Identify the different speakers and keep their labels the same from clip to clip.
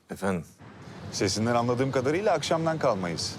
Speaker 1: Efendim,
Speaker 2: Sesinden anladığım kadarıyla akşamdan kalmayız.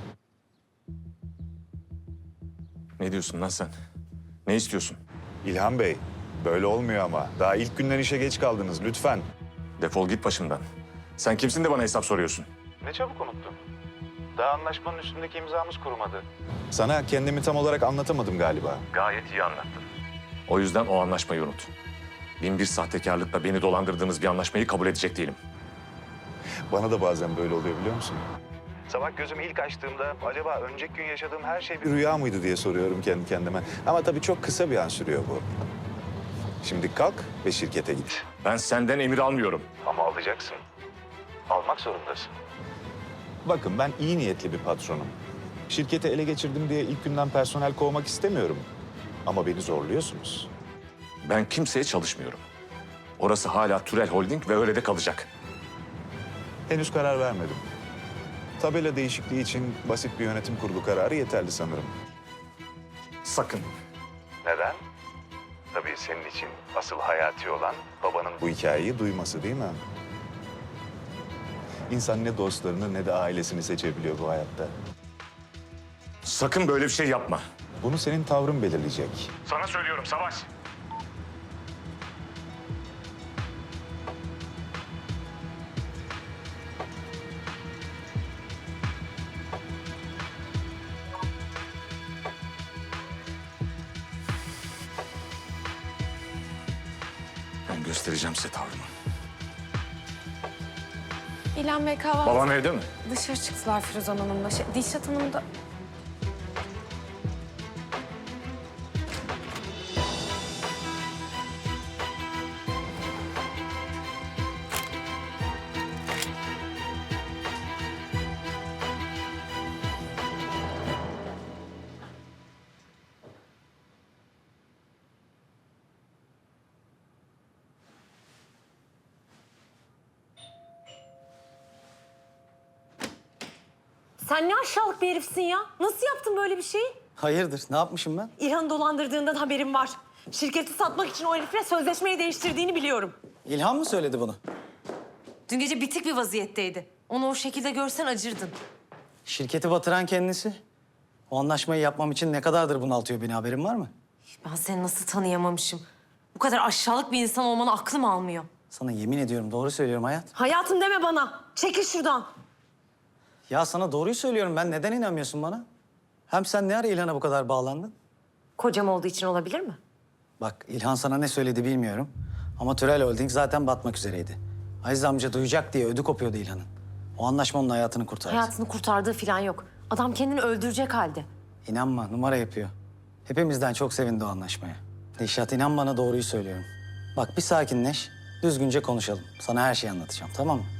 Speaker 1: ne diyorsun lan sen? Ne istiyorsun?
Speaker 2: İlhan Bey, böyle olmuyor ama. Daha ilk günden işe geç kaldınız lütfen.
Speaker 1: Defol git başımdan. Sen kimsin de bana hesap soruyorsun?
Speaker 2: Ne çabuk unuttun. Daha anlaşmanın üstündeki imzamız kurumadı. Sana kendimi tam olarak anlatamadım galiba.
Speaker 1: Gayet iyi anlattın. O yüzden o anlaşmayı unut. Bin bir sahtekarlıkla beni dolandırdığınız bir anlaşmayı kabul edecek değilim.
Speaker 2: Bana da bazen böyle oluyor biliyor musun? Sabah gözümü ilk açtığımda acaba önceki gün yaşadığım her şey bir rüya mıydı diye soruyorum kendi kendime. Ama tabii çok kısa bir an sürüyor bu. Şimdi kalk ve şirkete git.
Speaker 1: Ben senden emir almıyorum.
Speaker 2: Ama alacaksın. Almak zorundasın. Bakın ben iyi niyetli bir patronum. Şirketi ele geçirdim diye ilk günden personel kovmak istemiyorum. Ama beni zorluyorsunuz.
Speaker 1: Ben kimseye çalışmıyorum. Orası hala Türel Holding ve öyle de kalacak.
Speaker 2: Henüz karar vermedim. Tabela değişikliği için basit bir yönetim kurulu kararı yeterli sanırım.
Speaker 1: Sakın.
Speaker 2: Neden? Tabii senin için asıl hayati olan babanın bu hikayeyi duyması değil mi? İnsan ne dostlarını ne de ailesini seçebiliyor bu hayatta.
Speaker 1: Sakın böyle bir şey yapma.
Speaker 2: Bunu senin tavrın belirleyecek.
Speaker 1: Sana söylüyorum Savaş. Ben göstereceğim size tavrımı.
Speaker 3: İlhan Bey kahvaltı...
Speaker 1: Babam evde mi?
Speaker 3: Dışarı çıktılar Firuzan Hanım'la. Dilşat Hanım da... Sen ne aşağılık bir herifsin ya. Nasıl yaptın böyle bir şeyi?
Speaker 4: Hayırdır? Ne yapmışım ben?
Speaker 3: İlhan'ı dolandırdığından haberim var. Şirketi satmak için o herifle sözleşmeyi değiştirdiğini biliyorum.
Speaker 4: İlhan mı söyledi bunu?
Speaker 3: Dün gece bitik bir vaziyetteydi. Onu o şekilde görsen acırdın.
Speaker 4: Şirketi batıran kendisi. O anlaşmayı yapmam için ne kadardır bunaltıyor beni, haberin var mı?
Speaker 3: Ben seni nasıl tanıyamamışım? Bu kadar aşağılık bir insan olmanı aklım almıyor.
Speaker 4: Sana yemin ediyorum, doğru söylüyorum hayat.
Speaker 3: Hayatım deme bana. Çekil şuradan.
Speaker 4: Ya sana doğruyu söylüyorum, ben neden inanmıyorsun bana? Hem sen ne ara İlhan'a bu kadar bağlandın?
Speaker 3: Kocam olduğu için olabilir mi?
Speaker 4: Bak, İlhan sana ne söyledi bilmiyorum. Ama Türel Holding zaten batmak üzereydi. Aziz amca duyacak diye ödü kopuyordu İlhan'ın. O anlaşma onun hayatını kurtardı.
Speaker 3: Hayatını kurtardığı falan yok. Adam kendini öldürecek halde.
Speaker 4: İnanma, numara yapıyor. Hepimizden çok sevindi o anlaşmaya. Dilşat, inan bana, doğruyu söylüyorum. Bak, bir sakinleş, düzgünce konuşalım. Sana her şeyi anlatacağım, tamam mı?